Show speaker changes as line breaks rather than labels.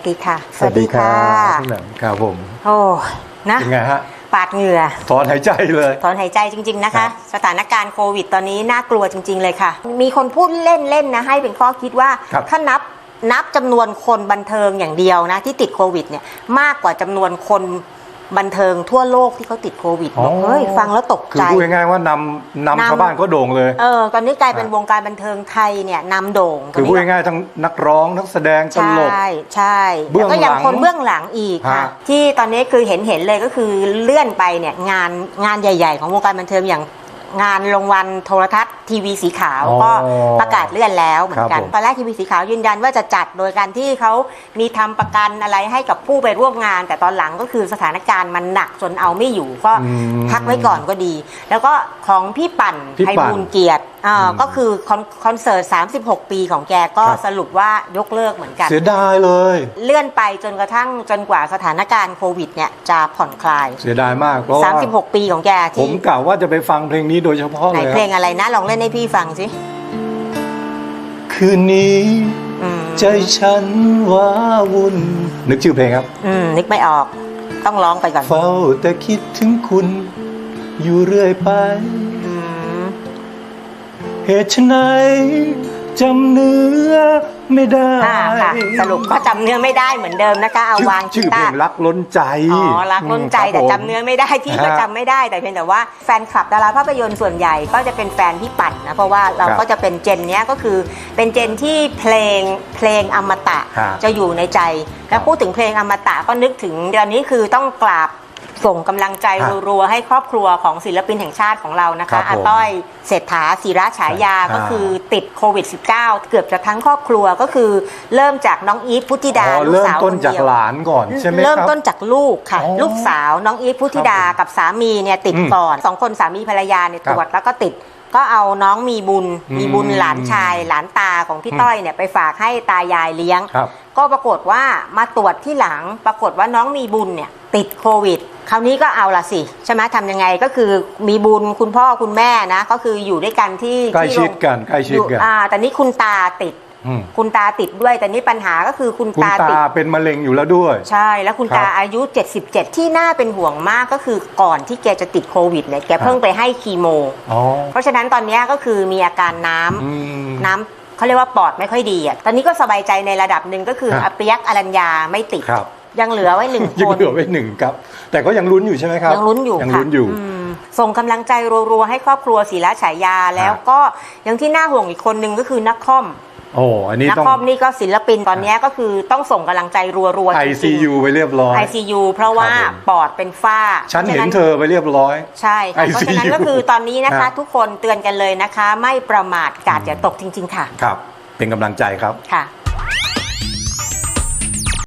ดีค่ะ
สวัสดีครับพี่แหม่มครับผม
โอ้นะ
ยังไงฮะ
ปาดเหงื่อ
ถอนหายใจเลย
ถอนหายใจจริงๆนะคะสถานการณ์โควิดตอนนี้น่ากลัวจริงๆเลยค่ะมีคนพูดเล่นๆนะให้เป็นข้อคิดว่าถ้านับจำนวนคนบันเทิงอย่างเดียวนะที่ติดโควิดเนี่ยมากกว่าจำนวนคนบันเทิงทั่วโลกที่เขาติดโควิดเฮ้ยฟังแล้วตกใจ
คือพูดง่ายๆว่านำชาวบ้านก็โด่งเลย
ตอนนี้กลายเป็นวงการบันเทิงไทยเนี่ยนำโด่ง
คือพูดง่ายๆทั้งนักร้องนักแสดงตลก
ใช่แล้วก็ยังคนเบื้องหลังอีกค่ะที่ตอนนี้คือเห็นเลยก็คือเลื่อนไปเนี่ยงานใหญ่ๆของวงการบันเทิงอย่างงานรางวัลโทรทัศน์ทีวีสีขาวก็ประกาศเลื่อนแล้วเหมือนกันตอนแรกทีวีสีขาวยืนยันว่าจะจัดโดยการที่เขามีทำประกันอะไรให้กับผู้ไปร่วมงานแต่ตอนหลังก็คือสถานการณ์มันหนักจนเอาไม่อยู่ก็พักไว้ก่อนก็ดีแล้วก็ของพี่ปั่นไพบูลย์เกียรติก็คือคอนเสิร์ต36 ปีของแกก็สรุปว่ายกเลิกเหมือนกัน
เสียดายเลย
เลื่อนไปจนกว่าสถานการณ์โควิดเนี่ยจะผ่อนคลาย
เสียดายมากเพราะว่า
36 ปีของแกที่
ผมกล่าวว่าจะไปฟังเพลงนี้โดยเฉพาะเลยไหน
เพลงอะไรนะลองเล่นให้พี่ฟังสิ
คืนนี้ใจฉันว้าวุ่นนึกชื่อเพลงครับ
นึกไม่ออกต้องร้องไปก่อน
เฝ้าแต่คิดถึงคุณอยู่เรื่อยไปเหตุไฉนจำเนื้อไม่ได้
สรุปก็จำเนื้อไม่ได้เหมือนเดิมนะคะเอาวาง
ชื่อเพลงรักล้นใจ
รักล้นใจแต่จำเนื้อไม่ได้พี่ก็จำไม่ได้แต่เพียงแต่ว่าแฟนคลับดาราภาพยนตร์ส่วนใหญ่ก็จะเป็นแฟนพี่ปั่นนะเพราะว่าเราก็จะเป็นเจนนี้ก็คือเป็นเจนที่เพลงอมตะจะอยู่ในใจแล้วพูดถึงเพลงอมตะก็นึกถึงเดือนนี้คือต้องกราบส่งกำลังใจรัวๆให้ครอบครัวของศิลปินแห่งชาติของเรานะคะอาต้อยเศรษฐาศิระฉายาก็คือติดโควิด -19 เกือบจะทั้งครอบครัวก็คือเริ่มจากน้องอีฟพุทธิดาลูกสาวคนเดียว
เริ่มต้นจากหลานก่อนใช่ไหมครับ
เริ่มต้นจากลูกค่ะลูกสาวน้องอีฟพุทธิดากับสามีเนี่ยติดก่อน2 คนสามีภรรยาเนี่ยตรวจแล้วก็ติดก็เอาน้องมีบุญหลานชายหลานตาของพี่ต้อยเนี่ยไปฝากให้ตายายเลี้ยงก็ปรากฏว่ามาตรวจที่หลังปรากฏว่าน้องมีบุญเนี่ยติดโควิดคราวนี้ก็เอาละสิใช่ไหมทำยังไงก็คือมีบุญคุณพ่อคุณแม่นะก็คืออยู่ด้วยกันที่
ใกล้ชิดกัน
แต่นี้คุณตาติดด้วยแต่นี้ปัญหาก็คือคุณตา
เป็นมะเร็งอยู่แล้วด้วย
ใช่แล้วคุณตาอายุ77ที่น่าเป็นห่วงมากก็คือก่อนที่แกจะติดโควิดเนี่ยแกเพิ่งไปให้คีโมเพราะฉะนั้นตอนนี้ก็คือมีอาการน้ำเขาเรียกว่าปอดไม่ค่อยดีอ่ะตอนนี้ก็สบายใจในระดับหนึ่งก็คืออาเปียกอรัญญาไม่ติดยังเหลือไว้1 คน
ยังเหลือไว้1ครับแต่ก็ยังลุ้นอยู่ใช่ไหมครับ
ยังลุ้นอยู่ส่งกำลังใจรัวๆให้ครอบครัวศิระฉายาแล้วก็ยังที่น่าห่วงอีกคนนึงก็คือนักคอม
อันนี้
นักคอมนี่ก็ศิลปินตอนนี้ก็คือต้องส่งกำลังใจรัว
ๆ ICU ไปเรียบร้อย
ICU เพราะว่าปอดเป็นฝ้า
ฉันเห็นเธอไปเรียบร้อย
ใช่เพราะฉะนั้นก็คือตอนนี้นะคะทุกคนเตือนกันเลยนะคะไม่ประมาทกาดอย่าตกจริงๆค่ะ
ครับเป็นกำลังใจครับ
ค่ะ